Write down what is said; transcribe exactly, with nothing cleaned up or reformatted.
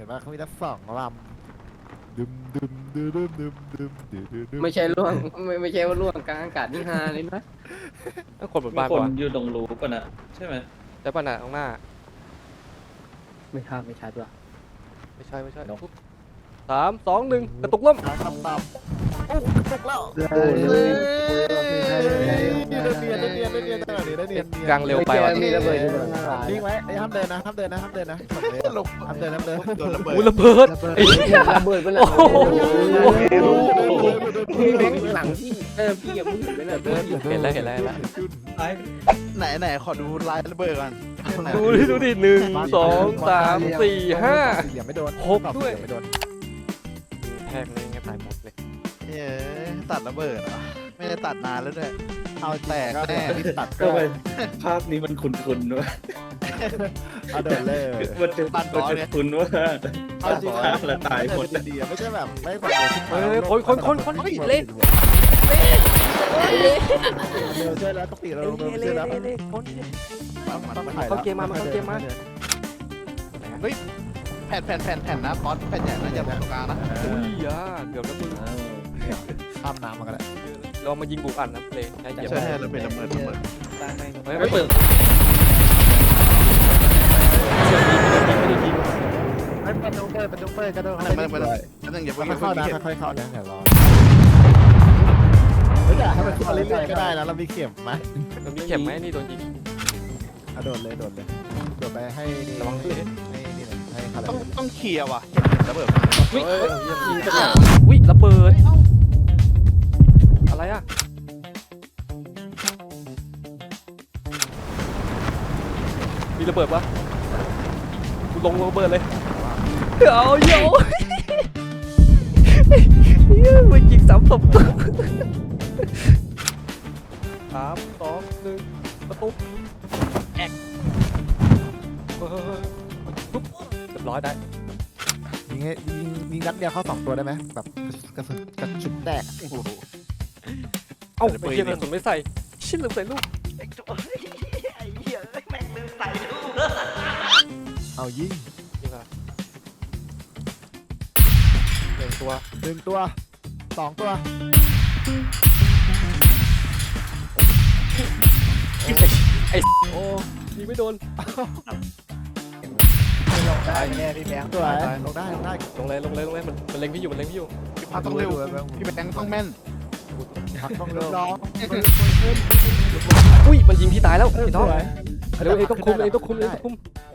ห็นว่าเขามีทั้งสองลำดึมดึมดึมดึมดึมดึมดึมดึมไม่ใช่ล่วงไม่ไม่ใช่ว่าล่วงกลางอากาศนี่ฮาเลยนะต้องคนบนมีบ้านคนก่อนอยู่ตรงรูป่ะน่ะใช่ไหมได้ป่ะน่ะตรงหน้าไม่ชัดไม่ชัดว่ะไม่ใช่ไม่ใช่ปุ๊บสามสองหนึ่งกระตุกล่มตามตามตามโอ้ตกแล้วโอ้ยเฮ้ยได้เนียนได้เนียนได้เนียนได้เนียนได้เนียนกลางเร็วไปว่ะมีระเบิดอยู่ด้วยนิ่งไว้ไอ้ห้ามเดินนะห้ามเดินนะห้ามเดินนะห้ามเดินห้ามเดินโดนระเบิดอุ้ยระเบิดไอ้เหี้ยระเบิดไปแล้วโอ้โหพี่แบงค์หลังพี่เออพี่อย่าเพิ่งเห็นไปเลยเดินเห็นแล้วเห็นแล้วเห็นแล้วไหนไหนขอดูลายระเบิดก่อนไหนดูดิดูดิหนึ่งสองสามสี่ห้าอย่าไม่โดนหกด้วยไม่โดนแทกเลยไงตายหมดเลยเอ้ยตัดระเบิดเหรอไม่ได้ตัดนานแล้วด้วยเอาแตกแน่ที่ตัดก็ไปภาพนี้มันคุ้นๆด้วยเอาเดินเลยมันจะมันจะคุ้นว่าเอาจริงภาพละตายหมดดีๆไม่ใช่แบบไม่แบบเฮ้ยคนคนคนคนเฮ้ยเละเร็วช่วยแล้วต้องตีเราเละเร็วเละช่วยแล้วเละเละคนมันเข้าเกมมามันเข้าเกมมาแผ่นแผ่นแผ่นแผ่นนะป๊อตแผ่นใหญ่นะอย่าตรงกลางนะอุ้ยอ่ะเกือบแล้วมึงข้ามน้ำมาก็ได้เรามายิงบุกอันนะเลยใช้เหยียบใช่ใช่ระเบิดระเบิดระเบิดเฮ้ยไม่เปิดไม่เป็นต้องเปิดเป็นต้องเปิดกระโดดไม่ไม่ไม่ไม่ต้องอย่าเพิ่งค่อยเข้าเข้านะนะค่อยเข้านะเดี๋ยวรอไม่อยากให้มันเข้าเรื่อยๆก็ได้นะเรามีเข็มไหมมันมีเข็มไหมนี่โดนยิงโดดเลยโดดเลยโดดไปให้นี่ระวังด้วยให้นี่ให้เขาเลยต้องต้องเคลียร์ว่ะระเบิดวิ่งยิงกันเลยวิ่งระเบิดอะไรอ่ะมีระเบิดปะกูลงระเบิดเลยเอาโย่มันยิงสามศพสามสองหนึ่งประตูแอกปุ๊บเรียบร้อยได้ยิงให้ยิงยิงนัดเดียวเข้าสองตัวได้ไหมแบบกระสุนกระสุนแตกเอ้าไม่เกี่ยวกับผมไม่ใส่ชิ้นลืมใส่ลูกเอายิงนี่ค่ะหนึ่งตัวหนึ่งตัวสองตัวไอ้โอ้ยิงไม่โดนได้แน่พี่แบงค์ตัวลงได้ลงได้ลงเลยลงเลยลงเลยมันมันเล็งพี่อยู่มันเล็งพี่อยู่พี่พัดต้องเร็วพี่แบงค์ต้องแม่นพักต้องเร็วร้องอุ้ยมันยิงพี่ตายแล้วพี่น้องเร็วเองต้องคุมเองต้องคุมเองต้องคุม